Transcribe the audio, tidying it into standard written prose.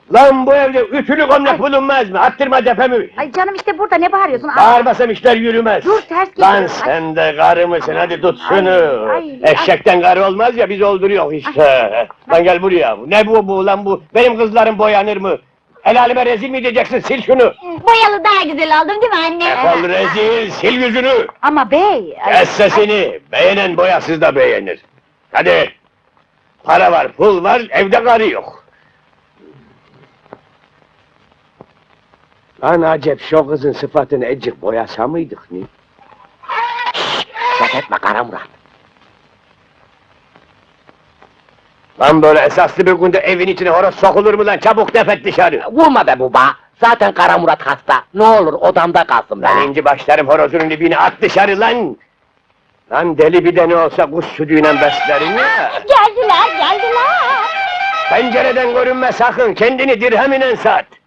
Lan bu evde ütülü gömlek bulunmaz mı? Attırma tepemi! Ay canım işte burada ne bağırıyorsun? Ay, Bağırmasam işler yürümez! Dur, ters geliyor. Lan sen de karı mısın? Hadi tut şunu! Ay, Eşekten karı olmaz ya, biz olduruyor işte! Lan gel buraya! Ne bu lan bu? Benim kızlarım boyanır mı? El aleme rezil mi edeceksin? Sil şunu! Boyalı daha güzel oldum değil mi anne? Defol rezil! Sil yüzünü! Ama bey... ay, Kes sesini! Beğenen boyasız da beğenir! Hadi! Para var, pul var, evde karı yok! Lan acep, şu kızın sıfatını ecik boyasa mıydık ne? Ses etme Kara Murat. Lan böyle esaslı bir günde evin içine horoz sokulur mu lan? Çabuk defet dışarı! Vurma be baba. Zaten Kara Murat hasta. Ne olur odamda kalsın be. Lan inci başlarım horozunun dibine, at dışarı lan! Lan deli bir de ne olsa kuş sütüyle beslerim ya! Geldiler. Pencereden görünme sakın, kendini dirheminen sat!